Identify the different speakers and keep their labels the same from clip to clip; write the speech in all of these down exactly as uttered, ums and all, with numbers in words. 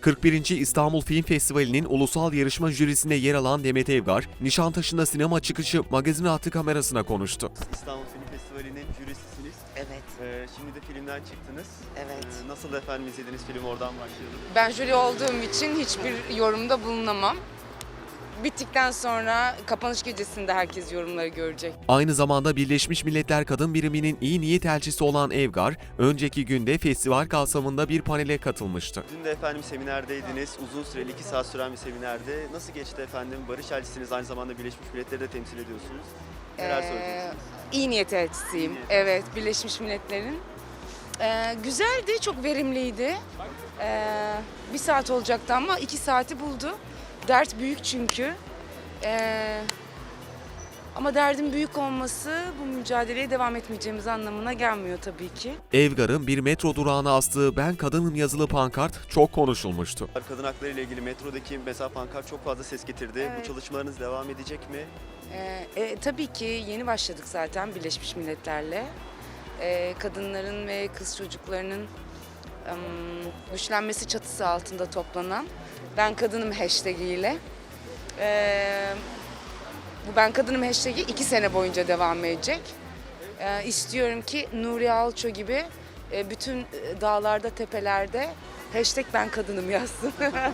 Speaker 1: kırk birinci İstanbul Film Festivali'nin ulusal yarışma jürisinde yer alan Demet Evgar, Nişantaşı'nda sinema çıkışı magazin hattı kamerasına konuştu.
Speaker 2: İstanbul Film Festivali'nin jürisisiniz.
Speaker 3: Evet.
Speaker 2: Ee, şimdi de filmden çıktınız.
Speaker 3: Evet.
Speaker 2: Ee, nasıl efendim izlediğiniz film, oradan başlayalım.
Speaker 4: Ben jüri olduğum için hiçbir yorumda bulunamam. Bittikten sonra kapanış gecesinde herkes yorumları görecek.
Speaker 1: Aynı zamanda Birleşmiş Milletler Kadın Biriminin iyi niyet elçisi olan Evgar, önceki günde festival kapsamında bir panele katılmıştı.
Speaker 2: Dün de efendim seminerdeydiniz. Uzun süreli iki saat süren bir seminerde. Nasıl geçti efendim? Barış elçisiniz, aynı zamanda Birleşmiş Milletler'i de temsil ediyorsunuz. Neler
Speaker 4: Ee,
Speaker 2: söyleyeceksiniz?
Speaker 4: iyi niyet elçisiyim.
Speaker 2: İyi niyet.
Speaker 4: Evet, Birleşmiş Milletler'in. Ee, güzeldi, çok verimliydi. Ee, bir saat olacaktı ama iki saati buldu. Dert büyük çünkü. Ee, ama derdin büyük olması bu mücadeleye devam etmeyeceğimiz anlamına gelmiyor tabii ki.
Speaker 1: Evgar'ın bir metro durağına astığı "Ben Kadınım" yazılı pankart çok konuşulmuştu.
Speaker 2: Kadın hakları ile ilgili metrodaki mesela pankart çok fazla ses getirdi.
Speaker 4: Evet.
Speaker 2: Bu çalışmalarınız devam edecek mi?
Speaker 4: Ee, e, tabii ki yeni başladık zaten Birleşmiş Milletler'le. Ee, kadınların ve kız çocuklarının ım, güçlenmesi çatısı altında toplanan "Ben Kadınım" hashtag ile. Ee, bu "Ben Kadınım" hashtag'i iki sene boyunca devam edecek. Ee, istiyorum ki Nuri Alço gibi e, bütün e, dağlarda, tepelerde hashtag "Ben Kadınım" yazsın.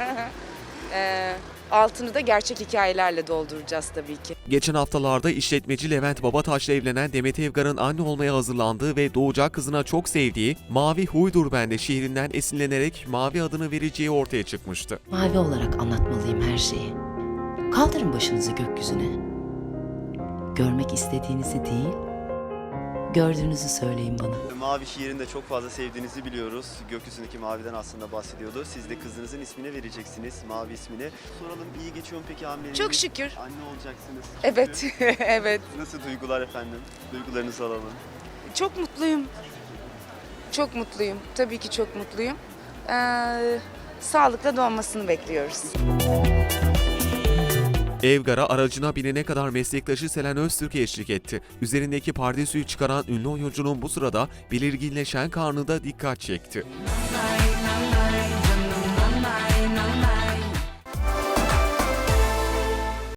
Speaker 4: ee, altını da gerçek hikayelerle dolduracağız tabii ki.
Speaker 1: Geçen haftalarda işletmeci Levent Babataş'la evlenen Demet Evgar'ın anne olmaya hazırlandığı ve doğacak kızına çok sevdiği "Mavi Huydur Bende" şiirinden esinlenerek Mavi adını vereceği ortaya çıkmıştı.
Speaker 3: Mavi olarak anlatmalıyım her şeyi. Kaldırın başınızı gökyüzüne. Görmek istediğinizi değil, gördüğünüzü söyleyin bana.
Speaker 2: Mavi şiirini de çok fazla sevdiğinizi biliyoruz. Gökyüzündeki maviden aslında bahsediyordu. Siz de kızınızın ismini vereceksiniz, Mavi ismini. Soralım, iyi geçiyor mu peki hamileliğiniz?
Speaker 4: Çok şükür.
Speaker 2: Anne olacaksınız.
Speaker 4: Evet, evet.
Speaker 2: Nasıl duygular efendim? Duygularınızı alalım.
Speaker 4: Çok mutluyum. Çok mutluyum. Tabii ki çok mutluyum. Ee, sağlıkla doğmasını bekliyoruz.
Speaker 1: Evgar'a aracına binene kadar meslektaşı Selen Öztürk eşlik etti. Üzerindeki pardesüyü çıkaran ünlü oyuncunun bu sırada belirginleşen karnı da dikkat çekti.